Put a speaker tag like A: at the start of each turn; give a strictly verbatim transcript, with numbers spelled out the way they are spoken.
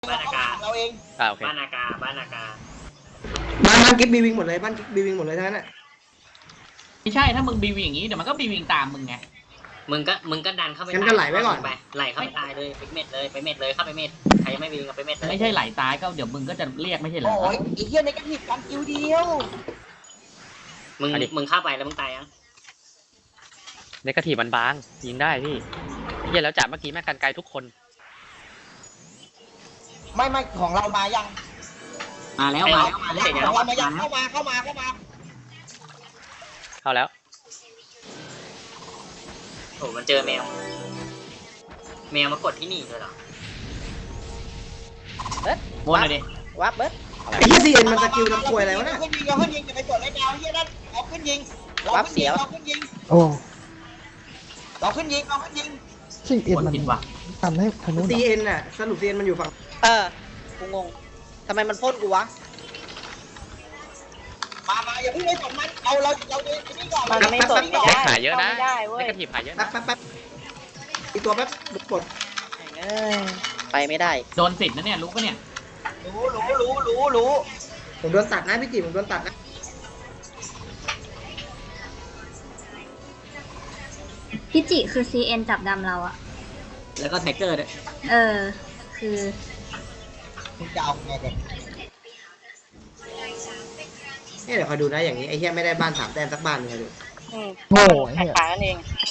A: บ้านอากาศเราเอง
B: อ่าโอเค
A: บ้านอากาศบ้านอากาศ
C: บ้านบ้านกิ๊บบีวิงหมดเลยบ้านกิ๊บบีวิงหมดเลยทั้งนั้นอ่ะ
D: ไม่ใช่ถ้ามึงบีวิงอย่างนี้เดี๋ยวมันก็บีวิงตามมึงไง
A: มึงก็มึงก็ดันเข้าไป
C: งั้นก็ไหลไว้ก่อน
A: ไปไหลเข้าไปตายเลยไปเม็ดเลยไปเม็ดเลยเข้าไปเม็ดใครยังไม่วิ่งก็ไปเม็ดเลย
D: ไม่ใช่ไหลตายก็เดี๋ยวมึงก็จะเรียกไม่ใช่เหรอ
E: โอ้ยไอ้เหี้ยในกระถิ่นกันคิวเดียว
A: มึงมึงเข้าไปแล้วมึงตายยัง
B: ในกระถีบมันบางยิงได้พี่เฮียแล้วจ่าเมื่อกี้แม่งกันไกลทุกคน
E: ไม่ไม่ของเรามายัง
D: มาแล้วมาแล้วมาแล้ว
E: ของเรามายังเข้ามาเข้ามาเข้ามา
B: เข้าแล้ว
A: โอ้มันเจอแมว แมวมากดที่นี่เลยเหรอ
D: วนเลยดิ
E: วับเบิร์ด
C: ไอ้เหี้ยซีเอ็นมันสกิลทำควยอะไรวะเนี่ย
E: ขึ้นยิงเราขึ้นยิงจะไปกดไอ้แมวเหี้ยนั่นเราขึ้นยิงเราขึ้นยิงเราขึ้นยิง
F: โอ้
E: เราขึ้นยิงเราขึ้นยิง
F: ซิ่งเอ็น
D: วน
F: มัน
D: ผิดว่ะ
F: ทำให้ทางนู้น
C: ซีเอ็นน่ะสรุปซีเอ็นมันอยู่ฝั่ง
E: เออกูงงทำไมมันพ่นกูวะมามาอย่าเพิ่งไปสนมันเอาเราเราดูนี่ก่อน
C: มันไม่สน
E: ก่อน
B: แม็กหายเยอะนะในกระถีบหายเยอะ
C: แป๊บ
B: นะ
C: แป๊บแป๊บอีกตัวแป๊บบุกกด
E: ไปไม่ได้
D: โดนสิทธิ์นะเนี่ยรู้ปะเนี่ย
E: รู้รู้รู้รู้รู้
C: ผมโดนตัดนะพี่จิ๋มผมโดนตัดนะ
G: พี่จิคือ ซี เอ็น จับดำเราอะ
D: แล้วก็ไทเกอร์ด้วย
G: เออ คือ
E: มึงจะเอาไงกัน
C: เนี่ยเดี๋ยวคอยดูนะอย่างนี้ไอ้เหี้ยไม่ได้บ้านสามแต้มสักบ้านเลยดู
F: โง่ไอ้เหี้ย
E: ขายนั่นเอง